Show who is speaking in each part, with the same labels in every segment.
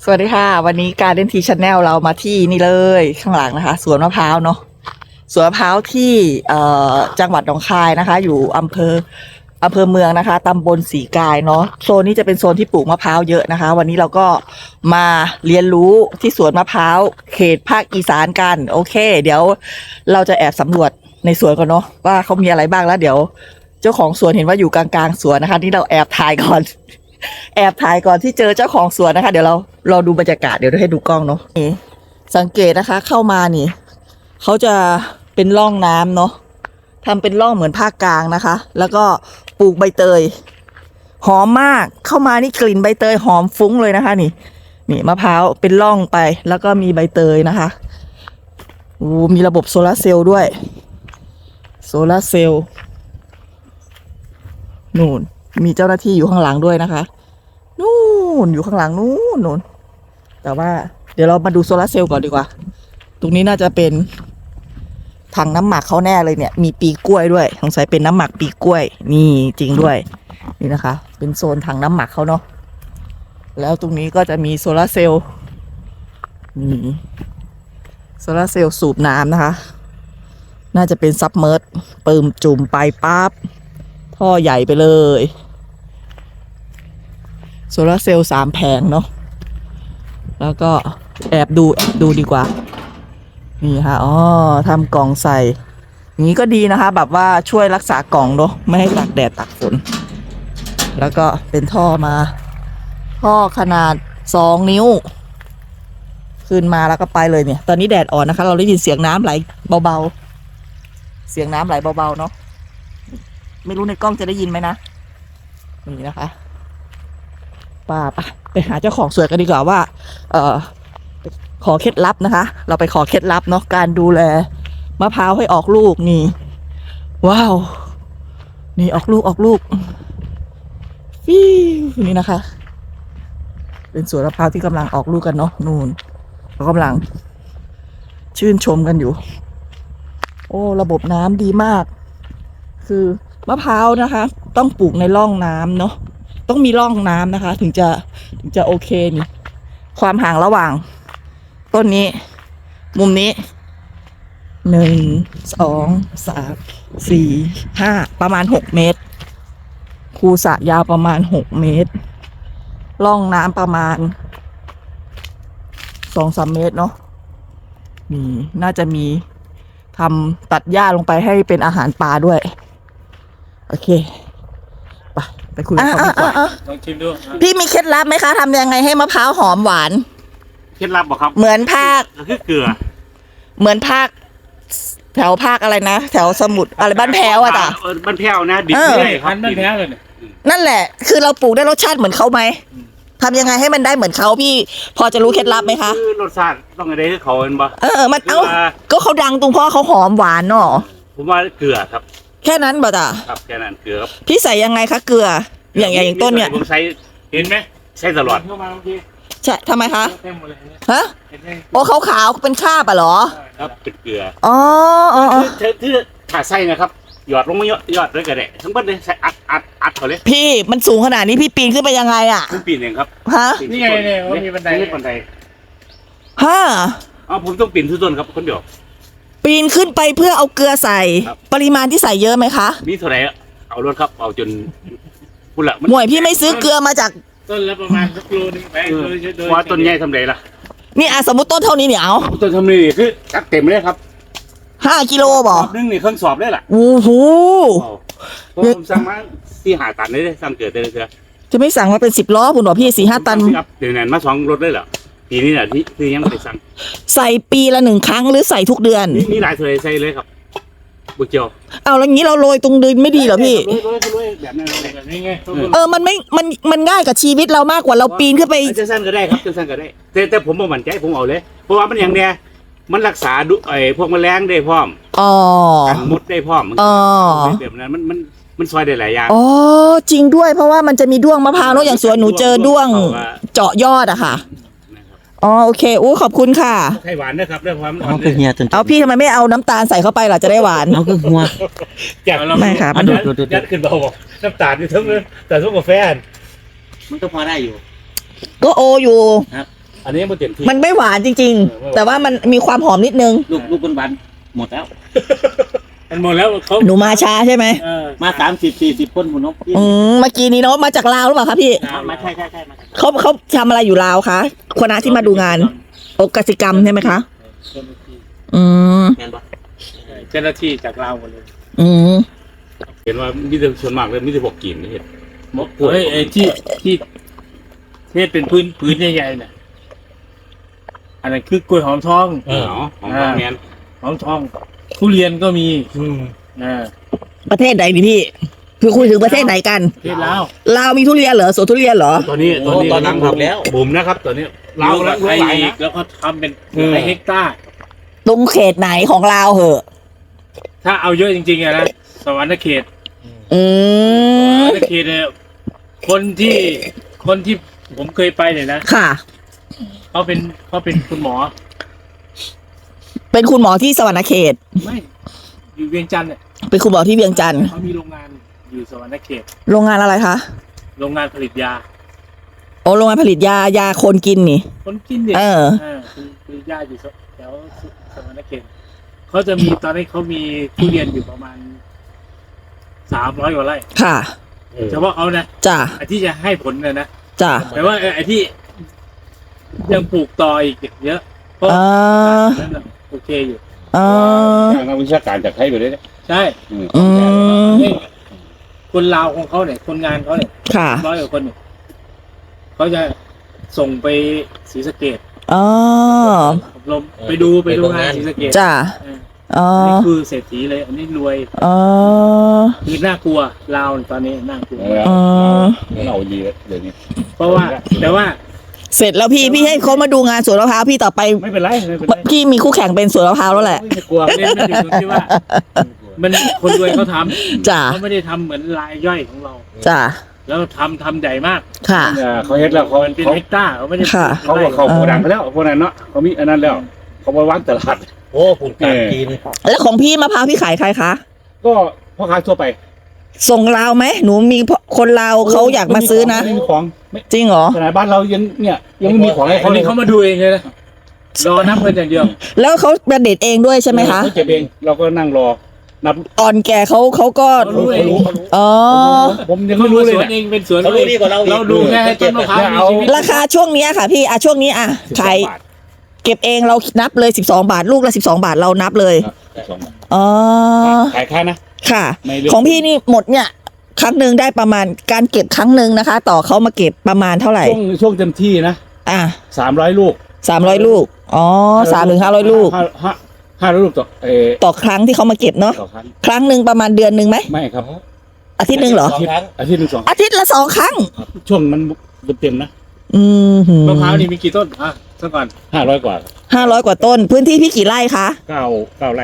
Speaker 1: สวัสดีค่ะวันนี้การเล่นทีชาแนลเรามาที่นี่เลยข้างหลังนะคะสวนมะพร้าวเนาะสวนมะพร้าวที่จังหวัดหนองคายนะคะอยู่อำเภอเมืองนะคะตำบลสีกายเนาะโซนนี้จะเป็นโซนที่ปลูกมะพร้าวเยอะนะคะวันนี้เราก็มาเรียนรู้ที่สวนมะพร้าวเขตภาคอีสานกันโอเคเดี๋ยวเราจะแอบสำรวจในสวนก่อนเนาะว่าเขามีอะไรบ้างแล้วเดี๋ยวเจ้าของสวนเห็นว่าอยู่กลางๆสวนนะคะนี่เราแอบถ่ายก่อน แอบถ่ายก่อนที่เจอเจ้าของสวนนะคะเดี๋ยวเราดูบรรยากาศเดี๋ยวให้ดูกล้องเนาะนี่สังเกตนะคะเข้ามานี่เขาจะเป็นร่องน้ำเนาะทำเป็นร่องเหมือนภาคกลางนะคะ แล้วก็ปลูกใบเตยหอมมากเข้ามานี่กลิ่นใบเตยหอมฟุ้งเลยนะคะนี่มะพร้าวเป็นร่องไปแล้วก็มีใบเตยนะคะโอ้มีระบบโซลาร์เซลล์ด้วยโซลาร์เซลล์นู่นมีเจ้าหน้าที่อยู่ข้างหลังด้วยนะคะนู่นอยู่ข้างหลังนู่นแต่ว่าเดี๋ยวเรามาดูโซลาร์เซลล์ก่อนดีกว่าตรงนี้น่าจะเป็นถังน้ำหมักเขาแน่เลยเนี่ยมีปีกล้วยด้วยสงสัยเป็นน้ำหมักปีกล้วยนี่จริงด้วยนี่นะคะเป็นโซนถังน้ำหมักเขาเนาะแล้วตรงนี้ก็จะมีโซลาร์เซลล์นี่โซลาร์เซลล์สูบน้ำนะคะน่าจะเป็นซับเมอร์สเปิ่มจุ่มไปปั๊บท่อใหญ่ไปเลยโซลาร์เซลล์3 แผงเนาะแล้วก็แอบดูดีกว่านี่ค่ะอ๋อทำกล่องใส่อย่างนี้ก็ดีนะคะแบบว่าช่วยรักษากล่องเนาะไม่ให้ตากแดดตากฝนแล้วก็เป็นท่อมาท่อขนาด2 นิ้วขึ้นมาแล้วก็ไปเลยเนี่ยตอนนี้แดดอ่อนนะคะเราได้ยินเสียงน้ำไหลเบาๆเสียงน้ำไหลเบาๆเนาะไม่รู้ในกล้องจะได้ยินไหมนะนี่นะคะไปหาเจ้าของสวนกันดีกว่าว่าขอเคล็ดลับนะคะเราไปขอเคล็ดลับเนาะการดูแลมะพร้าวให้ออกลูกนี่ว้าวนี่ออกลูกฟิวนี่นะคะเป็นสวนมะพร้าวที่กำลังออกลูกกันเนาะนู่นเรากำลังชื่นชมกันอยู่โอ้ระบบน้ำดีมากคือมะพร้าวนะคะต้องปลูกในร่องน้ำเนาะต้องมีร่องน้ำนะคะถึงจะโอเคนี่ความห่างระหว่างต้นนี้มุมนี้1 2 3 4 5ประมาณ6 เมตรคูสระยาวประมาณ6 เมตรร่องน้ำประมาณ2-3 เมตรเนาะนี่น่าจะมีทำตัดหญ้าลงไปให้เป็นอาหารปลาด้วยโอเคไปคุยกับเขาดีกว่า
Speaker 2: ลองชิมดู
Speaker 1: พี่มีเคล็ดลับไหมคะทำยังไงให้มะพร้าวหอมหวาน
Speaker 2: เคล็ดลับบอกครับ
Speaker 1: เหมือนภาค
Speaker 2: คือเกลือ
Speaker 1: เหมือนภาคแถวภาคอะไรนะแถวสมุทรอะไรบ้านแพ้วอะจ้ะ
Speaker 2: บ้านแพ้วนะดิบไม่ได้ครับ
Speaker 3: บ้านแพ้วเลย
Speaker 1: นั่นแหละคือเราปลูกได้รสชาติเหมือนเขาไหมทำยังไงให้มันได้เหมือนเขาพี่พอจะรู้เคล็ดลับไหมคะ
Speaker 2: คือรสชาติต้องอะไรให้เขาเป็นบ่
Speaker 1: มันก็เขาดังตรงเพราะเขาหอมหวานเนาะ
Speaker 2: ผมว่าเกลือครับ
Speaker 1: แค่นั้นบ่จ้ะ
Speaker 2: ครับแค่นั้นเกลือครับ
Speaker 1: พี่ใส่ยังไงคะเกลืออย่างต้นเนี่ย
Speaker 2: ผมใช้เห็นไหมใช้ตลอด
Speaker 3: เข้ามาเมื่อกี้
Speaker 1: ใช่ทำไมคะ
Speaker 3: เต็มหมดเลย
Speaker 1: ฮะโอ้ขาวๆเป็นคราบอ่ะเหรอ
Speaker 2: ครับเป็นเกลือ
Speaker 1: อ๋อ
Speaker 2: ที่ขาดไส้นะครับหยอดลงมาหยอดเลยก็ได้ทั้งหมดเลยใส่อัดเขาเลย
Speaker 1: พี่มันสูงขนาดนี้พี่ปีนขึ้นไปยังไงอ่ะ
Speaker 2: ผมปีนเองครับ
Speaker 1: ฮะ
Speaker 3: นี่ไงเนี่ยว่ามีบันได
Speaker 1: ฮะ
Speaker 2: ผมต้องปีนทุกต้นครับคนเดียว
Speaker 1: ปีนขึ้นไปเพื่อเอาเกลือใส่ปริมาณที่ใส่เยอะไหมคะ
Speaker 2: มีเท่าไหร่เอารถครับเอาจนพูดละ
Speaker 1: หมวยพี่ไม่ซื้อเกลือมาจาก
Speaker 3: ต้นละประมาณ1 โลนึงไป
Speaker 2: ว่าต้นใหญ่ทำไรล่ะ
Speaker 1: นี่สมมติต้นเท่านี้เนี่ยเอา
Speaker 2: ต้นทำนี่คือจัดเต็มเลยครับ
Speaker 1: 5 กิโลบ่
Speaker 2: นึงนี่เครื่องสอบได้ล่ะ
Speaker 1: โอ้โห
Speaker 2: ผมสั่งมา4-5 ตันเลยสั่งเกิดเลย
Speaker 1: จะไม่สั่งมาเป็น10 ล้อคุณบอกพี่4-5 ตัน
Speaker 2: เดี๋ยวนั้นมา2 รถเลยเหรอปีนี้แหละที่ยังไม่ได้สั่ง
Speaker 1: ใส่ปีละ1 ครั้งหรือใส่ทุกเดือน
Speaker 2: นี่หลายเลยใส่เลยครับบุกเจียว
Speaker 1: เอาแล้วงี้เราโรยตรงดินไม่ดีเหรอพี่
Speaker 2: โรยแบบนั้นแบบนี้ไง
Speaker 1: มันง่ายกับชีวิตเรามากกว่าเราปีนขึ้นไป
Speaker 2: จะสั้นก็ได้ครับจะสั้นก็ได้แต่ผมบ่มั่นใจผมเอาเลยเพราะว่ามันอย่างเนี้ยมันรักษาพวกแมลงได้พร้อมกันมดได้พร้อมแบบนั้นมันซอยได้หลายอย่าง
Speaker 1: อ๋อจริงด้วยเพราะว่ามันจะมีด้วงมะพร้าวเนาะอย่างสวนหนูเจอด้วงเจาะยอดอะค่ะอ๋อโอเคขอบคุณค่ะ
Speaker 2: ไข่หวานนะครับด้วยความ
Speaker 4: เอาคือเฮียจน
Speaker 1: เอาพี่ทำไมไม่เอาน้ำตาลใส่เข้าไปล่ะจะได้หวาน
Speaker 4: เอาคือหัว
Speaker 1: ไม่ค่ะ
Speaker 2: มันยัดขึ้นเบาน้ำตาลอยู่ทั้งแต่ทุกกาแฟ
Speaker 4: มันก็พอได้อยู่
Speaker 1: ก็อยู่
Speaker 4: ครับ
Speaker 2: อันนี้มันเต็มที่
Speaker 1: มันไม่หวานจริง ๆ แต่ว่ามันมีความหอมนิดนึง
Speaker 4: ลูกบนวันหมดแล้ว
Speaker 3: มันหมดแล้วเขา
Speaker 1: หนูมาช้าใช่ไหม
Speaker 4: มา30-40คนหมุนนก
Speaker 1: เมื่อกี้นี้เนาะมาจากลาวหรือเปล่าคะพี่
Speaker 4: มาใช่มา
Speaker 1: เขาทำอะไรอยู่ลาวคะคณะที่มาดูงานโอกสิกรรมใช่ไหมคะ อืม
Speaker 4: งานบ่
Speaker 3: เจ้าหน้าที่จากลาวหมดเลย
Speaker 1: อืม
Speaker 2: เห็นว่ามีแต่ส่วนมากเลยมีแต่พวกกินนี่เห็น
Speaker 3: เฮ้ยไอ้ที่เทศเป็นพื้นใหญ่ๆเนี่ยอันนั้นคือกล้วยหอมทอง
Speaker 2: ของพ่อแมน
Speaker 3: หอมทองทุเรียนก็มีอ่า
Speaker 1: ประเทศไหนนี่พี่คือคุยถึงประเทศไหนกัน
Speaker 3: ประเทศลาว
Speaker 1: ลาวมีทุเรียนเหรอสวนทุเรียนเหรอ
Speaker 2: ตอนนี้บุ๋มนะครับตอนนี้เรา
Speaker 3: แล้
Speaker 2: แล้ว ว
Speaker 3: ไทย
Speaker 2: หลาย
Speaker 3: อี
Speaker 2: นะ
Speaker 3: กแล้วก็ทำเป็นหลายเฮกตาร์
Speaker 1: ตรงเขตไหนของลาวเหอะ
Speaker 3: ถ้าเอาเยอะจริงๆอะนะสวรรค์เขต
Speaker 1: อื
Speaker 3: ส
Speaker 1: ม
Speaker 3: วรรค์เขตเนี่ยคนที่ผมเคยไปเนี่ยนะ
Speaker 1: ค่ะ
Speaker 3: เขาเป็นคุณหมอ
Speaker 1: เป็นคุณหมอที่สวรรณเขต
Speaker 3: ไม่อยู่เวียงจันทร์เนี่ย
Speaker 1: เป็นคุณหมอที่เวียงจันทร์
Speaker 3: เขามีโรงงานอยู่สวรรค์เขต
Speaker 1: โรงงานอะไรคะ
Speaker 3: โรงงานผลิตยา
Speaker 1: โอ้โรงงานผลิตยาคนกินนี่
Speaker 3: คนกินเนี่ย
Speaker 1: เออ
Speaker 3: คือยาอยู่แถวสวรรค์เขตเขาจะมีตอนนี้เขามีทุเรียนอยู่ประมาณ300 กว่าไร่
Speaker 1: ค่ะ
Speaker 3: เฉพาะเขานะ
Speaker 1: จ้ะ
Speaker 3: ไอ้ที่จะให้ผลเนี่ยนะ
Speaker 1: จ้ะ
Speaker 3: แต่ว่าไอ้ที่ยังปลูกต่ออีกเยอะเพราะ
Speaker 1: อ่า
Speaker 3: นั่นน่ะโอเคอยู่
Speaker 1: อ่า
Speaker 2: นักวิชาการจากไทยไปเลย
Speaker 3: ใช่
Speaker 1: อืม
Speaker 3: นี่คนลาวของเขาเนี่ยคนงานเขาเนี่ย
Speaker 1: ค่ะ
Speaker 3: 100 กว่าคนเนี่ยเขาจะส่งไปศรีสะเกษ
Speaker 1: อ๋อ
Speaker 3: อบรมไปดูงานศรีสะเกษ
Speaker 1: จ้ะ
Speaker 3: เออ
Speaker 1: อ๋อ
Speaker 3: อันนี้คือเศรษฐีเลย อันนี้รวย
Speaker 1: อ๋อ
Speaker 3: คือน่ากลัวลาวตอนนี้น่ากลัว
Speaker 2: เราดีเดี๋ยวนี้
Speaker 3: เพราะว่าแต่ว่า
Speaker 1: เสร็จแล้วพี่ให้เขามาดูงานสวนมะพร้าวพี่ต่อไป
Speaker 3: ไม่เป็นไรไม่เป็นไร
Speaker 1: พี่มีคู่แข่งเป็นสวนมะพร้าวแล้วแหละ
Speaker 3: ไม่กลัวเล่นไม่ถึงตรงที่ว่า มันคนรวยเขาทำ
Speaker 1: จ้ะ
Speaker 3: เขาไม่ได้ทำเหมือนรายย่อยของเรา
Speaker 1: จ้ะ
Speaker 3: แล้วทำใหญ่มาก
Speaker 1: ค่ะ
Speaker 2: เขาเฮ็ดแล้วเขา
Speaker 3: มันเป็น
Speaker 2: เขา
Speaker 3: เฮกตาร์เขาไม่ได้
Speaker 1: ค่ะ
Speaker 2: เขาบอกเขาโกดังไปแล้วพวกนั้นเนาะเขามีอันนั้นแล้วเขาไปวางตลาด
Speaker 4: โอ้ปุ่นการจีน
Speaker 1: แล้วของพี่มะพร้าวพี่ขายใครคะ
Speaker 2: ก็พ่อค้าทั่วไป
Speaker 1: ส่งลาวไหมหนูมีคนลาวเขาอยากมาซื้อนะ
Speaker 2: ไม่มีของไม่
Speaker 1: จริงเหรอ
Speaker 2: ขนาดบ้านเรายังเนี่ยยังไม่มีของให้
Speaker 3: ค
Speaker 2: เขา
Speaker 3: น
Speaker 2: เลย
Speaker 3: นี้เขามาดูเองเลยนะรอนับเงินอย่างเดียว
Speaker 1: แล้วเขาประเด็ดเองด้วยใช่ไหมคะ
Speaker 2: เขาเก็บเองเราก็นั่งรอนับ
Speaker 1: อ่อนแก่เขาก็
Speaker 3: เขารู้เอง
Speaker 1: อ๋อ
Speaker 2: ผมยังไม่รู้เลย
Speaker 3: สวน
Speaker 2: เนี่ย
Speaker 3: เองเป็นสวน
Speaker 4: เขารู้ดีกว่าเราอีก
Speaker 3: เราดูแค่ให้ต้นมะพร้าวมีชีวิต
Speaker 1: ราคาช่วงเนี้ยค่ะพี่ช่วงนี้ขายเก็บเองเรานับเลย12 บาทลูกละ12 บาทเรานับเลยอ๋อ
Speaker 2: ขายค่านะ
Speaker 1: ค่ะ
Speaker 2: ไม่เลือก
Speaker 1: ของพี่นี่หมดเนี่ยครั้งหนึ่งได้ประมาณการเก็บครั้งหนึ่งนะคะ ต่อเขามาเก็บประมาณเท่าไหร่
Speaker 2: ช่วงเต็มที่นะ
Speaker 1: อ่ะ
Speaker 2: 300 ลูก
Speaker 1: 300 ลูกอ๋อ300-500 ลูก
Speaker 2: 500 ลูก
Speaker 1: ต่อครั้งที่เขามาเก็บเนาะ
Speaker 2: ต่อครั้ง
Speaker 1: ครั้งหนึ่งประมาณเดือนหนึ่งไหม
Speaker 2: ไม่ครับ
Speaker 1: อาทิตย์หนึ่งเหรอ
Speaker 4: 2 ครั้ง
Speaker 2: อาทิตย์หนึ่ง2
Speaker 1: อาทิตย์ละ2 ครั้ง
Speaker 2: ช่วงมันเต็มนะ
Speaker 1: อืม
Speaker 3: มะพร้าวนี่มีกี่ต้นสักก่อน
Speaker 2: 500 กว่า
Speaker 1: 500 กว่าต้น พื้นที่พี่กี่ไร่คะ
Speaker 2: 9 ไร่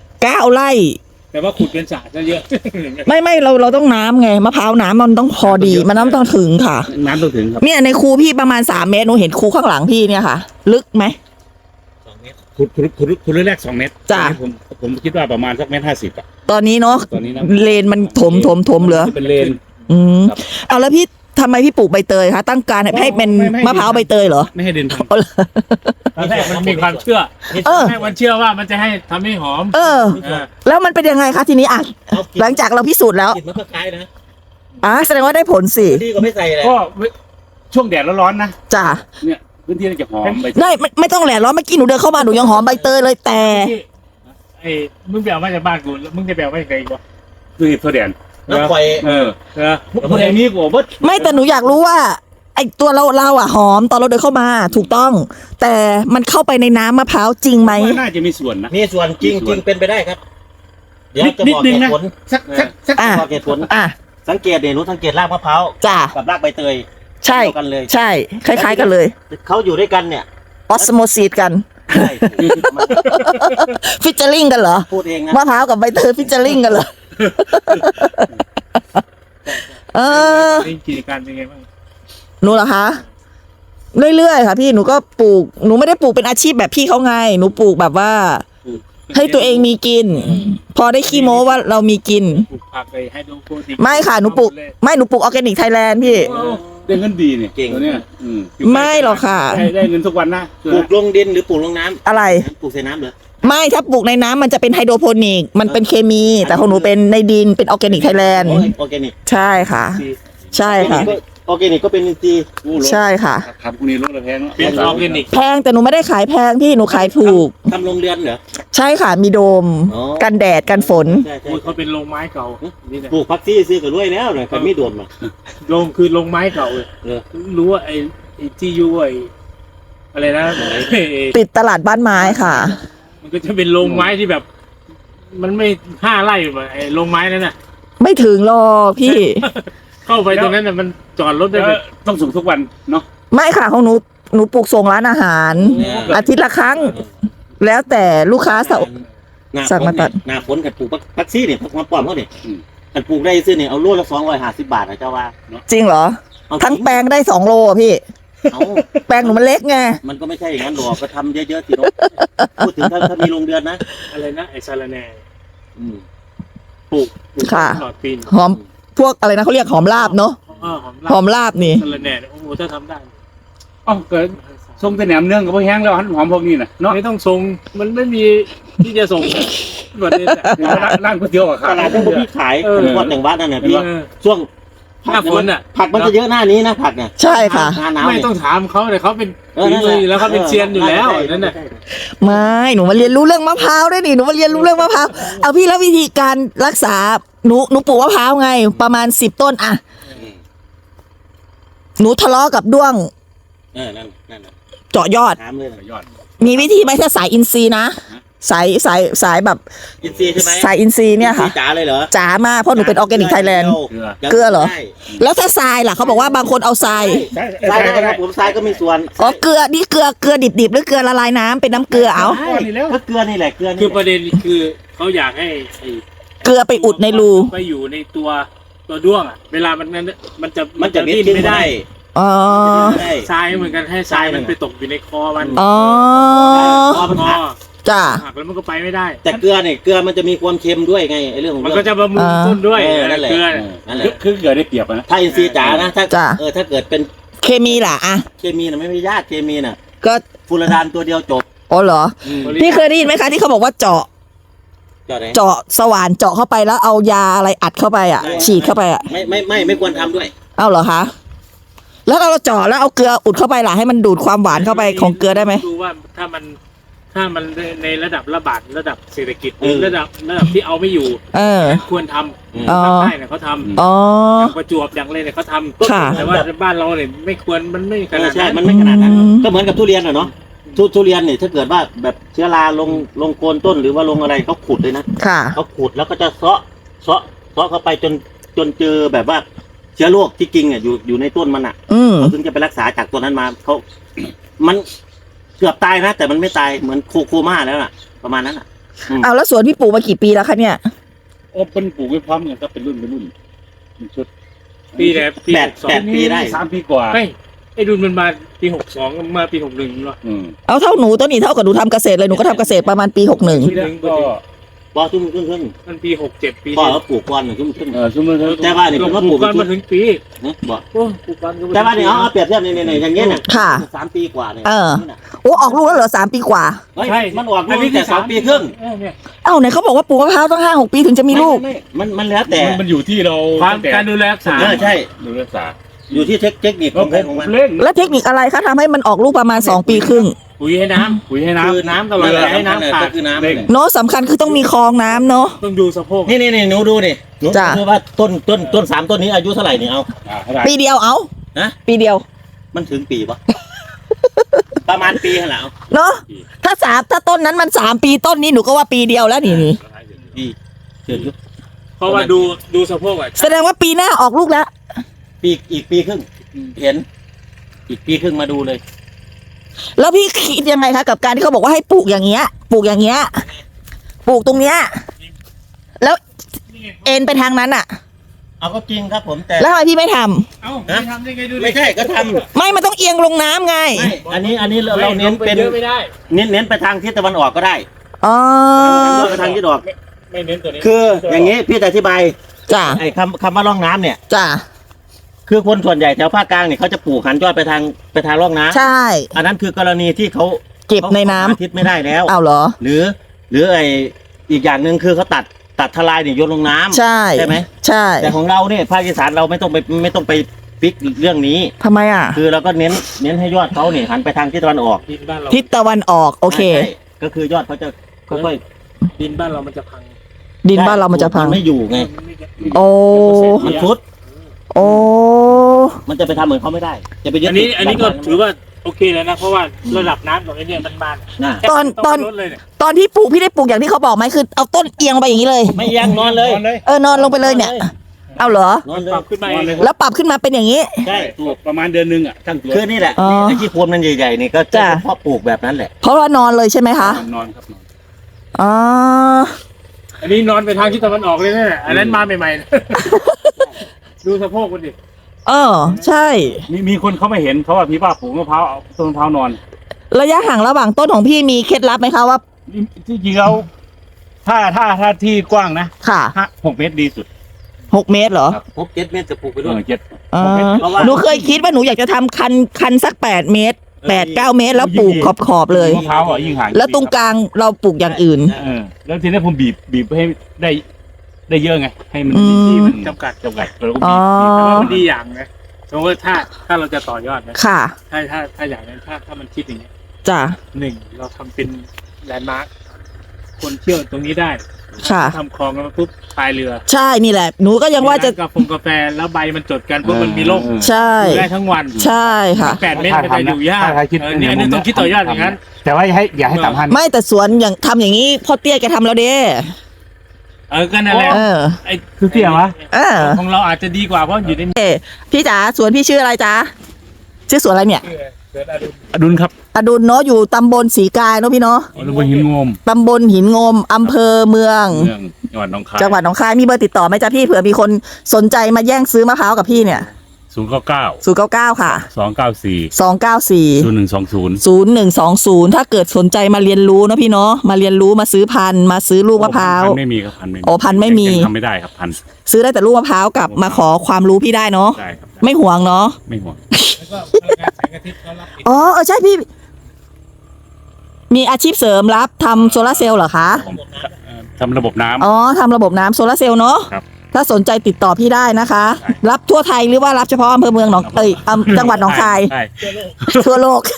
Speaker 1: 9 ไร่
Speaker 3: แต่ว่าขุดเป็นสระซะเยอะ
Speaker 1: ไม่เราต้องน้ำไงมะพร้าวน้ำมันต้องพอดีมันน้ำต้องถึงค่ะ
Speaker 2: น้ำต้องถึงครับ
Speaker 1: เนี่ยในคูพี่ประมาณ3 เมตรหนูเห็นคูข้างหลังพี่เนี่ยค่ะ ลึกไหม
Speaker 4: 2 เมตร
Speaker 2: ขุดแรก2 เมตร
Speaker 1: จ้ะ
Speaker 2: ผมคิดว่าประมาณสัก1.50 เมตรอ่ะ
Speaker 1: ตอนนี้เนาะ
Speaker 2: ตอนนี้นะ
Speaker 1: เลนมันถมเหลือ
Speaker 2: เป็นเลน
Speaker 1: อืม
Speaker 2: ครับ
Speaker 1: เอาแล้วพี่ทำไมพี่ปลูกใบเตยคะตั้งการให้เป็น
Speaker 2: ไม่
Speaker 1: มะพร้าวใบเตยเหรอ
Speaker 2: ไม่ให้ดินพัง
Speaker 1: เอาเหรอ
Speaker 3: ตอนแรกมันมีความเชื่อ
Speaker 1: เออ
Speaker 3: ให้มันเชื่อว่ามันจะให้ทำให้หอม
Speaker 1: เออ
Speaker 3: เออ
Speaker 1: แล้วมันเป็นยังไงคะทีนี้อ่ะ
Speaker 4: เอากิน
Speaker 1: หลังจากเราพิสูจน์แล้ว
Speaker 4: กินมันก็คล้ายนะ
Speaker 1: แสดงว่าได้ผลสิ
Speaker 4: ดีกว่าไม่ใส่เลย
Speaker 2: ก็ช่วงแดดร้อนๆนะ
Speaker 1: จ้ะ
Speaker 2: เนี่ยพื้นที่มันจะหอมไป
Speaker 1: ไม่ต้องแหละร้อนเมื่อกี้หนูเดินเข้ามาหนูยังหอมใบเตยเลยแต่
Speaker 3: ไอ้มึงไปเอามาจากบ้านกูแล้วมึงจะไปเอามาจากไหนอีกวะ
Speaker 2: คือเพื่อแดด
Speaker 4: แล้วปล่อย
Speaker 2: เออ
Speaker 3: เออ
Speaker 2: พวกไอ้นี่กูว่า
Speaker 1: ไม่แต่หนูอยากรู้ว่า ไอตัวเราอ่ะหอมตอนเราเดินเข้ามาถูกต้อง แต่มันเข้าไปในน้ำมะพร้าวจริงไหม
Speaker 2: น่าจะมีส่วนนะ
Speaker 4: มีส่วนจริงเป็นไปได้ครับ เดี๋ยวจะ
Speaker 2: นิ
Speaker 4: บ
Speaker 2: ด
Speaker 4: อก
Speaker 2: นึง
Speaker 4: เห
Speaker 2: นะ
Speaker 4: ตุผล
Speaker 2: สัก
Speaker 1: อ่ะ
Speaker 4: บอกเหตุผล
Speaker 1: อ่ะ
Speaker 4: สังเกตเนี่ยรู้สังเกตรากมะพร้าว
Speaker 1: จ้ะ
Speaker 4: กับรากใบเตย
Speaker 1: ใช่
Speaker 4: เดียวกันเลย
Speaker 1: ใช่ คล้ายๆกันเลย
Speaker 4: เขาอยู่ด้วยกันเนี่ย
Speaker 1: ออสโมซีดกัน
Speaker 4: ใช่มัน
Speaker 1: ฟิชเจอริงกันเหรอ
Speaker 4: พูดเองนะ
Speaker 1: มะพร้าวกับใบเตยฟิชเจอริงกันเหรอ เออ
Speaker 3: นี่กิจการเป็นไงบ้าง
Speaker 1: หนูเหรอคะ เรื่อยๆค่ะพี่หนูก็ปลูกหนูไม่ได้ปลูกเป็นอาชีพแบบพี่เขาไงหนูปลูกแบบว่า ให้ตัวเองมีกิน พอได้ขี้โม้ว่าเรามีกิน
Speaker 3: ปลูกผักไปให้ดูโปรตีน
Speaker 1: ไม่ค่ะหนูปลูกออร์แกนิกไทยแลนด์พี่
Speaker 2: เดี๋ได้เงินดีเนี่ย
Speaker 4: เก่ง
Speaker 2: ตัวเนี้ย
Speaker 1: ไม่หรอกค่ะ
Speaker 2: ได้เงินทุกวันนะ
Speaker 4: ปลูกลงดินหรือปลูกลงน้ำ
Speaker 1: อะไร
Speaker 4: ปลูกใส่น้ำเหรอ
Speaker 1: ไม่ถ้าปลูกในน้ำมันจะเป็นไฮโดรโปนิกมันเป็นเคมี แต่ของหนูเป็นในดินเป็นออร์แกนิกไทยแลนด์
Speaker 4: โอ้ยออร์แกนิก
Speaker 1: ใช่ค่ะ ใช่ค่ะ
Speaker 4: ออร์แกนิกก็เป็นอินทรีย์
Speaker 1: ใช่ค่ะ
Speaker 2: ครับพวกนี้รถละแพงเนาะ
Speaker 3: เป็นออร์แกนิก
Speaker 1: แพงแต่หนูไม่ได้ขายแพงพี่หนูขายถูก
Speaker 4: ทำโรงเรือนเหรอ
Speaker 1: ใช่ค่ะมีโดม
Speaker 4: อ๋อ
Speaker 1: กันแดดกันฝน
Speaker 4: ใช่ใช่
Speaker 3: โอ้ยเขาเป็นโรงไม้เก่านี่แหละ
Speaker 4: ปลูกพักซี่ซื้อกับรวยแล้วหน่อยใครไม่โดนมา
Speaker 3: โรงคือโรงไม้เก่าเลย
Speaker 4: เออ
Speaker 3: รู้ว่าไอ้ที่อยู่ไอ้อะไรนะไอ้
Speaker 1: ติดตลาดบ้านไม้ค่ะ
Speaker 3: มันก็จะเป็นโรงไม้ที่แบบ มันไม่5 ไร่แบบไอ้โรงไม้นั่นน่ะ
Speaker 1: ไม่ถึงหรอกพี่
Speaker 3: เข้าไปตรงนั้นน่ะมันจอดรถได้
Speaker 2: แล้ว
Speaker 3: แบบ
Speaker 2: ต้องส่งทุกวันเนาะ
Speaker 1: ไม่ค่ะของหนูปลูกส่งร้านอาหาร อาทิตย์ละครั้ง แล้วแต่ลูกค้าสั่ง
Speaker 4: หน้า
Speaker 1: สั่
Speaker 4: ฝ
Speaker 1: ง
Speaker 4: น
Speaker 1: มาตั
Speaker 4: เนี่ย
Speaker 1: ด
Speaker 4: หน้าฝนกับปลูกพักซี่เนี่ยพักมาป้อมเขาเนี่ยกันปลูกได้ซื้อเนี่ยเอาโลละ250 บาทนะเจ้าว่า
Speaker 1: จริงเหรอ
Speaker 4: เอา
Speaker 1: ทั้งแปลงได้2 โลอะพี่
Speaker 4: เอา
Speaker 1: แปลงหนูมันเล็กไง
Speaker 4: มันก็ไม่ใช่อย่างนั้นหรอกก็ทำเยอะๆสิเนาะพูดถึงถ้ามีโรงเรือนนะ
Speaker 3: อะไรนะไอ้ซาลาแหน่
Speaker 4: อืม
Speaker 3: ปลูก
Speaker 1: ค่ะ
Speaker 3: ตลอดปี
Speaker 1: หอมพวกอะไรนะเขาเรียกหอมลาบเนาะ หอมลาบนี่
Speaker 3: ซาลาแหน่โอ้โหถ้าทำได้
Speaker 2: อ๋อเกิดส่งแต่แหนมเนืองกับพวกแห้งแล้วหอมพวกนี้น่ะเนาะ
Speaker 3: ไม่ต้องส่งมันไม่มีที่จะส่งแบบนี้แต่
Speaker 2: ร้านก๋วยเตี๋ยวอะค
Speaker 4: ต
Speaker 2: รับ
Speaker 4: ลาดที่พี่ขายวัดอย่างวัดนั่นน่ะพี่
Speaker 3: เออ
Speaker 4: ช่วง
Speaker 3: หน้าฝนน่ะ
Speaker 4: ผักมันจะเยอะหน้านี้นะผักเนี่ย
Speaker 1: ใช่ค่ะ
Speaker 4: หน้าหนาว
Speaker 3: ไม่
Speaker 4: เนี่ย
Speaker 3: ต้องถามเขาเลยเขาเป็น
Speaker 4: เออ
Speaker 3: ฝี
Speaker 4: นั่น
Speaker 3: มื
Speaker 4: แหละ
Speaker 3: ออยู่แล้วเขาเป็นเซียนอยู่แล้วนั่นน่ะ
Speaker 1: ไม่หนูมาเรียนรู้เรื่องมะพร้าวด้วยนี่หนูมาเรียนรู้เรื่องมะพร้าวเอาพี่แล้ววิธีการรักษาหนูปลูกมะพร้าวไง ประมาณ10 ต้นอะหนูทะเลาะกับด้วง
Speaker 4: นั่นน่ะ
Speaker 1: เจาะยอด
Speaker 4: ถามเลย
Speaker 2: ยอด
Speaker 1: มีวิธีไหมถ้าสายอินทรีย์นะสายแบบ
Speaker 4: อินทรีย์ใช่ไหม
Speaker 1: สายอินทรีย์เนี่ยค่ะ
Speaker 4: จ๋าเลยเหรอ
Speaker 1: จ๋ามากเพราะหนูเป็นออร์แกนิกไทยแลนด์
Speaker 2: เกลือ
Speaker 1: เกลือเหรอ
Speaker 4: ใช่
Speaker 1: แล้วถ้าทรายล่ะเขาบอกว่าบางคนเอาทราย
Speaker 2: ใช่
Speaker 4: ทรายได้ครับผมทรายก็มีส่วน
Speaker 1: อ๋อเกลือนี่เกลือดิบๆหรือเกลือละลายน้ำเป็นน้ำเกลือเอา
Speaker 4: ใช่ก็เกลือนี่แหละเกลือ
Speaker 3: คือ
Speaker 4: นี่
Speaker 3: ประเด็นคือเขาอยากให้ไอ้
Speaker 1: เกลือไปอุดในรู
Speaker 3: ไปอยู่ในตัวด้วงอ่ะเวลามันจะ
Speaker 4: มันจะ
Speaker 3: ดิ้นไม่ได้
Speaker 1: อ๋อ
Speaker 4: ได้
Speaker 3: ทรายเหมือนกันให้ทรายมันไปตกอยู่ในคอมัน
Speaker 1: อ๋อ
Speaker 4: พอมัน
Speaker 3: คอ
Speaker 4: หัก
Speaker 1: จ้า
Speaker 3: หักแล้วมันก็ไปไม่ได้
Speaker 4: แต่เกลือเนี่ยเกลือมันจะมีความเค็มด้วยไงไอ้เรื่องของ
Speaker 3: มัน
Speaker 4: เรื่
Speaker 3: ก็
Speaker 4: อง
Speaker 3: จะบำรุงต้นด้วย
Speaker 4: นั่นแหละ
Speaker 3: เกลือ
Speaker 4: นั่นแหละ
Speaker 2: คือเกลือได้เปรียบอะนะ
Speaker 4: ถ้าอินทรีย์จ๋านะถ้า
Speaker 1: จ้ะ
Speaker 4: ถ้าเกิดเป็น
Speaker 1: เคมีล่ะอะ
Speaker 4: เคมีน่ะไม่ยากเคมีน่ะ
Speaker 1: ก็
Speaker 4: ฟูรดานตัวเดียวจบ
Speaker 1: อ๋อเหรอ
Speaker 4: อืม
Speaker 1: พี่เคยได้ยินไหมคะที่เขาบอกว่าเจาะ
Speaker 4: จอดไหน
Speaker 1: เจาะสว่านเจาะเข้าไปแล้วเอายาอะไรอัดเข้าไปอ่ะ ฉีดเข้าไปอ่ะ
Speaker 4: ไม่ควรทำด้วย
Speaker 1: เอาเหรอคะแล้วเราเจาะแล้วเอาเกลืออุดเข้าไปล่ะให้มันดูดความหวานเข้าไปของเกลือได้ไหม
Speaker 3: ดูว่าถ้ามันในระดับระบาดระดับเศรษฐกิจ
Speaker 4: เออ
Speaker 3: ระดับที่เอาไม่อยู่
Speaker 1: เออ
Speaker 3: ควรท
Speaker 4: อืม
Speaker 3: ำ
Speaker 1: อ๋อ
Speaker 3: ภาคใต้เนี่ยเขาทำ
Speaker 1: อ๋อ
Speaker 3: อย่างประจวบอย่างอะไรเนี่ยเขาทำ
Speaker 1: ค่ะ
Speaker 3: แต่ว่าบ้านเราเนี่ยไม่ควรมันไม่ขนาด
Speaker 4: ใช่
Speaker 3: นั้น
Speaker 4: มันไม่ขนาดนั้น
Speaker 1: อืม
Speaker 4: ก็เหมือนกับทุเรียนอะเนาะทุเรียนเนี่ยถ้าเกิดว่าแบบเชื้อราลงโคนต้นหรือว่าลงอะไรเขาขุดเลยนะ
Speaker 1: ค่ะ
Speaker 4: เขาขุดแล้วก็จะเซาะเข้าไปจนเจอแบบว่าเชื้อโรคที่จริงอ่ะอยู่ในต้นมันอ่ะ
Speaker 1: อืม
Speaker 4: เขาถึงจะไปรักษาจากตัวนั้นมาเขามันเกือบตายนะ แต่มันไม่ตายเหมือนโคม่าแล้วน่ะ ประมาณนั้นอ่ะ
Speaker 1: เอาแล้วสวนพี่ปลูกมากี่ปีแล้วคะเนี่ย
Speaker 2: โอ้เป็นปลูกไว้พร้อมกันก็เป็นรุ่นเป็นชุด
Speaker 3: ปีไหนปี
Speaker 4: แปด
Speaker 3: 62
Speaker 4: ปีได้
Speaker 2: 3 ปีกว่า
Speaker 3: ไม่ไอ้ดุลมันมาปี62มาปี61เนาะ
Speaker 2: อืม
Speaker 1: เอาเท่าหนูต้นนี้เท่ากับหนูทำเกษตรเลยหนูก็ทำเกษตรประมาณปี61
Speaker 2: ก็
Speaker 4: พอชุ่มขึ้น
Speaker 3: มันปี67ปี
Speaker 4: พ่อเขาปลูกก้อนหนึ่งชุ่มขึ้น
Speaker 2: สมมติ
Speaker 4: แต่ว่านี่ผมว่าปลูก
Speaker 3: กันมาถึงปี
Speaker 4: นะบอก
Speaker 3: โอ้ปลูกกันก็ม
Speaker 4: แต่ว่านี่เอาเปรียบเทียบนี่อย่างเงี้ยเนี่ย
Speaker 1: ค่ะ
Speaker 4: 3 ปีกว่าเนี่ย
Speaker 1: เออ
Speaker 4: นี่น่ะ
Speaker 1: โอ้ออกลูกแล้วเหรอ3 ปีกว่า
Speaker 4: เฮ้ยมันออกลูกตั้งแต่3 ปีครึ่ง
Speaker 3: เนี่ย
Speaker 1: เอ้าไหนเขาบอกว่าปลูกมะพร้าวต้อง5-6 ปีถึงจะมีลูก
Speaker 4: ไม่มันแล้วแต่
Speaker 2: มันอยู่ที่เรา
Speaker 3: ความการดูแลรักษา
Speaker 4: ใช่
Speaker 2: ดูรักษา
Speaker 4: อยู่ที่เทคนิคของใครของมัน
Speaker 2: เล่น
Speaker 1: แล้วเทคนิคอะไรคะทำให้มันออกลูกประมาณ2 ปีครึ่ง
Speaker 3: ปุ๋ยให้น้ำ
Speaker 2: ปุ๋ยให้น้
Speaker 4: คือน้ำตลอด
Speaker 3: เกลือ
Speaker 4: ให้น้ำขาดคือน้ำเลย
Speaker 1: เนาะสำคัญคือต้องมีคลองน้ำเนาะ
Speaker 3: ต้องดูสะโพก
Speaker 4: นี่หนูดูนี่หนู
Speaker 1: จ้ะ
Speaker 4: ดูว่าต้น3 ต้นนี้อายุเท่าไหร่นี่เอา
Speaker 2: ำเท่าไหร่
Speaker 1: ปีเดียวเอา
Speaker 4: นะ
Speaker 1: ปีเดียว
Speaker 4: มันถึงปีปะ ประมาณปีเหรอ
Speaker 1: เนาะถ้าต้นนั้นมัน3 ปีต้นนี้หนูก็ว่าปีเดียวแล้วนี่
Speaker 4: ปีเกิดยุค
Speaker 3: เพราะว่าดูสะโพกอ่ะ
Speaker 1: แสดงว่าปีหน้าออกลูกแล้ว
Speaker 4: อีกปีครึ่งเห็น อีกปีครึ่งมาดูเลย
Speaker 1: แล้วพี่คิดยังไงคะกับการที่เขาบอกว่าให้ปลูกอย่างเงี้ยปลูกอย่างเงี้ยปลูกตรงเนี้ยแล้วเอ็นไปทางนั้นอะ
Speaker 4: เอาก็จริงครับผมแต่
Speaker 1: แล้วทำไมพี่ไม่ทำ
Speaker 3: เอ้าไม่ทำได้ไงดูดิ
Speaker 4: ไม่ใช่ก็ทำ
Speaker 1: ไม่มันต้องเอียงลงน้ำไง
Speaker 4: ไม่อันนี้เราเน้นเป็น
Speaker 3: เยอะไม่ได้
Speaker 4: เน้นไปทางทิศตะวันออกก็ได้
Speaker 1: อ๋อ
Speaker 4: ไปทางทิศตะวันออก
Speaker 3: ไม่เน้นตัวนี้
Speaker 4: คืออย่างนี้พี่จะอธิบาย
Speaker 1: จ้ะ
Speaker 4: ไอ้คำว่าร่องน้ำเนี่ย
Speaker 1: จ้ะ
Speaker 4: คือคนส่วนใหญ่แถวภาคกลางเนี่ยเขาจะปลูกหันยอดไปทางร่องน้ำ
Speaker 1: ใช่
Speaker 4: อันนั้นคือกรณีที่เขา
Speaker 1: เก็บในน้ำ
Speaker 4: ทิศไม่ได้แล้ว
Speaker 1: เอาเหรอ
Speaker 4: หรือไออีกอย่างหนึ่งคือเขาตัดทลายเนี่ยโยนลงน้ำ
Speaker 1: ใช่
Speaker 4: ใช่ไหม
Speaker 1: ใช่
Speaker 4: แต่ของเราเนี่ยภาคอีสานเราไม่ต้องไปฟิกเรื่องนี้
Speaker 1: ทำไมอ่ะ
Speaker 4: คือเราก็เน้นให้ยอดเขาเนี่ยหันไปทางทิศตะวันออก
Speaker 3: ดินบ้านเรา
Speaker 1: ทิศตะวันออกโอเค
Speaker 4: ใช่ก็คือยอดเขาจะค่อย
Speaker 3: ดินบ้านเรามันจะพัง
Speaker 1: ดินบ้านเรามันจะพัง
Speaker 4: ไม่อยู่ไง
Speaker 1: โอ้
Speaker 4: มันฟุด
Speaker 1: โอ้
Speaker 4: มันจะไปทำเหมือนเขาไม่ได้ จะไปยึด
Speaker 3: อันนี้ก็ถือว่าโอเคแล้วนะเพราะว่าระดับน้ำของไอ้เนี่ยมันบาน
Speaker 4: นะ
Speaker 1: ตอน
Speaker 3: ลดเลยเนี่ย
Speaker 1: ตอนที่ปลูกพี่ได้ปลูกอย่างที่เขาบอกไหมคือเอาต้นเอียงไปอย่างนี้เลย
Speaker 4: ไม่ยังนอนเลย
Speaker 1: นอนลงไปเลยเนี่ย เอาเหรอ
Speaker 4: นอนเลย
Speaker 3: ปรับขึ้นมาเอง
Speaker 1: แล้วปรับขึ้นมาเป็นอย่างนี้
Speaker 4: ใช่
Speaker 2: ถูกประมาณเดือนหนึงอ่ะทั้งตัว
Speaker 4: คือนี่แหละ
Speaker 1: อ๋อ
Speaker 4: ไอ้ที่โคนมันใหญ่ๆนี่ก็จะ
Speaker 1: จ้ะ
Speaker 4: เพาะปลูกแบบนั้นแหละ
Speaker 1: เพราะว่านอนเลยใช่ไหมคะ
Speaker 2: นอนครับนอน
Speaker 1: อ๋อ
Speaker 3: อันนี้นอนไปทางทิศตะวันออกเลยเนี่ยอันนั้นมาใหม่ๆนะดูสะโพกมันดิ
Speaker 1: ใช่
Speaker 2: มีคนเขาไม่เห็นเขาว่าพี่ว่าปลูกมะพร้าวเอาต้นมะพร้าวนอน
Speaker 1: ระยะห่างระหว่างต้นของพี่มีเคล็ดลับไหมคะว่า
Speaker 2: ที่จริงเราถ้าที่กว้างนะ
Speaker 1: ค่ะ
Speaker 2: 6 เมตรดีสุด
Speaker 1: 6 เมตรเหรอ
Speaker 4: 6-7 เมตรจะปลูกไปด้วย
Speaker 1: อ่า
Speaker 4: เพราะว่า
Speaker 1: หนูเคยคิดว่าหนูอยากจะทำคันสัก8 เมตร 8-9 เมตร แล้วปลูกขอบๆเลย
Speaker 2: มะพร้าวอ่ะยิ่งห่าง
Speaker 1: แล้วตรงกลางเราปลูกอย่างอื่น
Speaker 2: แล้วทีนี้ผมบีบให้ได้เยอะไง ให้มัน
Speaker 1: อืม
Speaker 2: ที่มันจำกัดแล้วก็
Speaker 1: อ๋อ
Speaker 2: บีบ
Speaker 3: แต่ว่ามันดีอย่างนะสมมติว่าถ้าเราจะต่อยอดนะ
Speaker 1: ค่ะ
Speaker 3: ถ้าอย่างนั้นถ้ามันคิดอย่างเงี้ย
Speaker 1: จ้ะ
Speaker 3: หนึ่งเราทำเป็นแลนด์มาร์คคนเที่ยวตรงนี้ได้
Speaker 1: ค่ะ
Speaker 3: ทำคลองแล้วปุ๊บพายเรือ
Speaker 1: ใช่นี่แหละ หนูก็ยังว่าจะ
Speaker 3: กาแฟแล้วใบมันจดกันเพราะมันมีร่ม
Speaker 1: ใช่
Speaker 3: อยู่ได้ทั้งวัน
Speaker 1: ใช่ค่ะ
Speaker 3: 8 เมตรมันจะอยู่ยากเนี่ยอันนี้ต้องคิดต่อยอดอย่างนั้น
Speaker 2: แต่ว่าอย่าให้ต่ำพัน
Speaker 1: ไม่แต่สวนอย่างทำอย่างนี้พ่อเตี้ยแกทำแล้วเด้
Speaker 3: ก็นั่นแหละ
Speaker 1: เออ
Speaker 3: ไอ้
Speaker 2: คือเตี้ยวะ
Speaker 1: เออ
Speaker 3: ของเราอาจจะดีกว่าเพราะอยู่ใน
Speaker 1: พี่จ๋าสวนพี่ชื่ออะไรจ๊ะชื่อสวนอะไรเนี่ย
Speaker 3: เกิดอารมณ์
Speaker 2: อดุลครับ
Speaker 1: อดุลเนาะอยู่ตำบลศรีกายเนาะพี่เนาะ
Speaker 2: อดุลบนหินงม
Speaker 1: ตำบลหินงมอำเภอเมือง
Speaker 2: เมืองจังหวัดหนองคาย
Speaker 1: จังหวัดหนองคายมีเบอร์ติดต่อไหมจ๊ะพี่เผื่อมีคนสนใจมาแย่งซื้อมะพร้าวกับพี่เนี่ย
Speaker 2: 099
Speaker 1: ค่ะ
Speaker 2: 294
Speaker 1: 294
Speaker 2: 0120
Speaker 1: 0120ถ้าเกิดสนใจมาเรียนรู้เนาะพี่เนาะมาเรียนรู้มาซื้อพันธุ์มาซื้อลูกมะพร้าว
Speaker 2: พันธุ์ไม่มีครับพันธุ์ไม่มี
Speaker 1: โอ้พันธุ์ไม่มี
Speaker 2: ยังทำไม่ได้ครับพันธุ์
Speaker 1: ซื้อได้แต่ลูกมะพร้าวกับมาขอความรู้พี่ได้เนาะ
Speaker 2: ได้ครับ
Speaker 1: ไม่ห่วงเนาะ
Speaker 2: ไม่ห่วง
Speaker 3: แล้วก็พลังงานแสงอาทิตย์เขารับติด
Speaker 1: ใช่พี่ มีอาชีพเสริมรับทำโซลาร์เซลล์เหรอคะ
Speaker 2: ผมทำระบบน้ำ
Speaker 1: ทำระบบน้ำโซลาร์เซลล์เนาะ
Speaker 2: ครับ
Speaker 1: ถ้าสนใจติดต่อพี่ได้นะคะ รับทั่วไทยหรือว่ารับเฉพาะอำเภอเมืองจังหวัดหนองคาย
Speaker 2: ใช่
Speaker 1: ทั่วโลก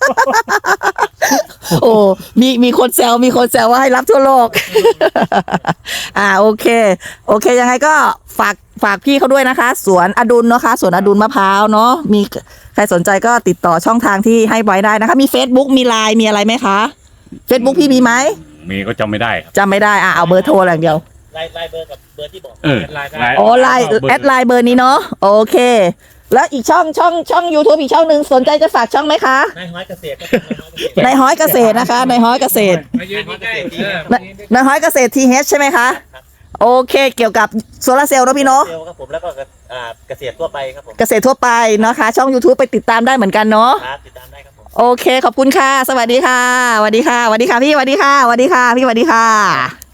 Speaker 1: โอ้มีคนแซวว่าให้รับทั่วโลก โอเคยังไงก็ฝากพี่เขาด้วยนะคะ สวนอดุลเนาะคะสวนอดุลมะพร้าวเนาะมีใครสนใจก็ติดต่อช่องทางที่ให้ไว้ได้นะคะ มี Facebook มี LINE มีอะไรไหมคะ Facebook พี่มีไหม
Speaker 2: มีก็จำไม่ได้ครับ
Speaker 1: จำไม่ได้เอาเบอร์โทรอย่างเดียว
Speaker 4: ไลน์เบอร์กับเบอร์ที่บอก
Speaker 3: ไลน์ได้
Speaker 1: ไลน์แอดไลน์เบอร์นี้เนาะโอเค แล้วอีกช่อง YouTube อีกช่องหนึ่งสนใจจะฝากช่องไหมคะ
Speaker 4: นายห้อยเกษตร
Speaker 1: นายฮ้อยเกษตรนะคะนายฮ้อยเกษตร
Speaker 3: มายืนใกล้ๆ
Speaker 1: นายฮ้อยเกษตร TH ใช่ไหมคะ โอเค เกี่ยวกับโซลาร์เซลล์เนาะพี่เนาะ
Speaker 4: เซลล์ครับผมแล้วก็เกษตรทั่วไปครับผม
Speaker 1: เกษตรทั่วไปนะคะ ช่อง YouTube ไปติดตามได้เหมือนกันเนาะ
Speaker 4: ครับติดตามได้ครับผม
Speaker 1: โอเค ขอบคุณค่ะ สวัสดีค่ะสวัสดีค่ะสวัสดีค่ะพี่สวัสดีค่ะสวัสดีค่ะพี่สวัสดีค่ะ